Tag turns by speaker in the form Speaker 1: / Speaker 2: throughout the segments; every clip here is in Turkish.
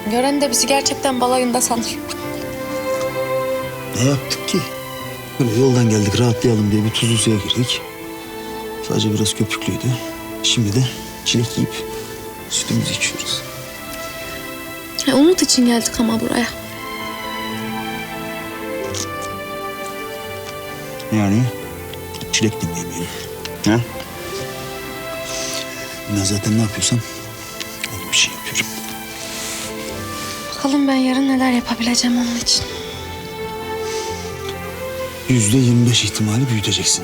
Speaker 1: Gören de bizi gerçekten balayında sanır.
Speaker 2: Ne yaptık ki? Böyle yoldan geldik rahatlayalım diye bir tuzlu suya girdik. Sadece biraz köpüklüydü. Şimdi de çilek yiyip sütümüzü içiyoruz.
Speaker 1: Umut için geldik ama buraya.
Speaker 2: Yani çilek dinleyemeyelim. Ha? Ben zaten ne yapıyorsam öyle bir şey yapıyorum.
Speaker 1: Bakalım ben yarın neler yapabileceğim onun için.
Speaker 2: %25 ihtimali büyüteceksin.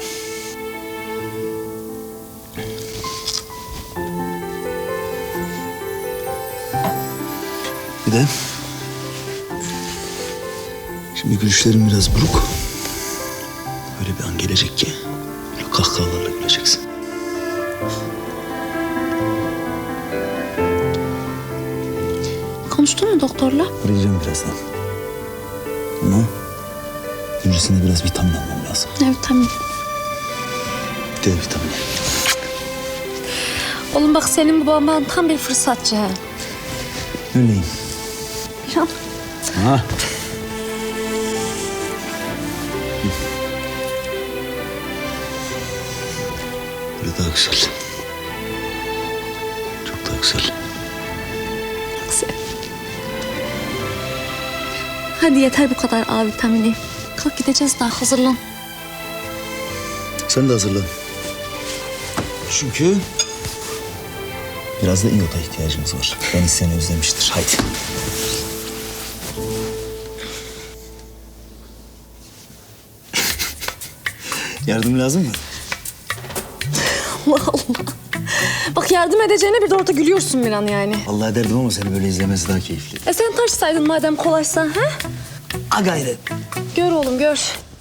Speaker 2: Bir de şimdi gülüşlerin biraz buruk. Öyle bir an gelecek ki böyle kahkahalarla güleceksin.
Speaker 1: Konuştun mu doktorla?
Speaker 2: Arayacağım birazdan. Ama öncesinde biraz vitamin almam lazım.
Speaker 1: Evet tamam.
Speaker 2: D vitamini.
Speaker 1: Oğlum bak senin baban tam bir fırsatçı ha.
Speaker 2: Öyleyim.
Speaker 1: Bir an.
Speaker 2: Ha. Böyle daha güzel. Çok daha güzel.
Speaker 1: Aksi. Hadi yeter bu kadar A vitamini. Kalk gideceğiz daha hazırlan.
Speaker 2: Sen de hazırlan. Çünkü biraz da iyota ihtiyacımız var. Deniz seni özlemiştir. Haydi. Yardım lazım mı?
Speaker 1: Allah Allah. Bak yardım edeceğine bir de orada gülüyorsun bir an yani.
Speaker 2: Vallahi derdim ama seni böyle izlemesi daha keyifli.
Speaker 1: Sen taşsaydın madem kolaysa ha?
Speaker 2: A gayret.
Speaker 1: Gör oğlum gör.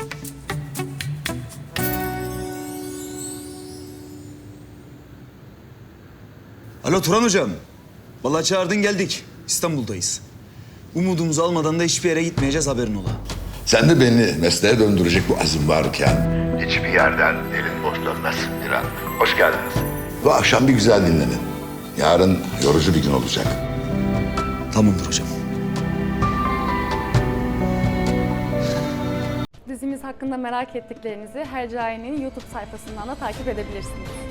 Speaker 2: Alo Turan hocam. Vallahi çağırdın geldik. İstanbul'dayız. Umudumuzu almadan da hiçbir yere gitmeyeceğiz haberin ola.
Speaker 3: Sen de beni mesleğe döndürecek bu azim varken hiçbir yerden elin boş dönmez Miran. Hoş geldiniz. Bu akşam bir güzel dinlenin. Yarın yorucu bir gün olacak.
Speaker 2: Tamamdır hocam.
Speaker 4: Dizimiz hakkında merak ettiklerinizi Hercai'nin YouTube sayfasından da takip edebilirsiniz.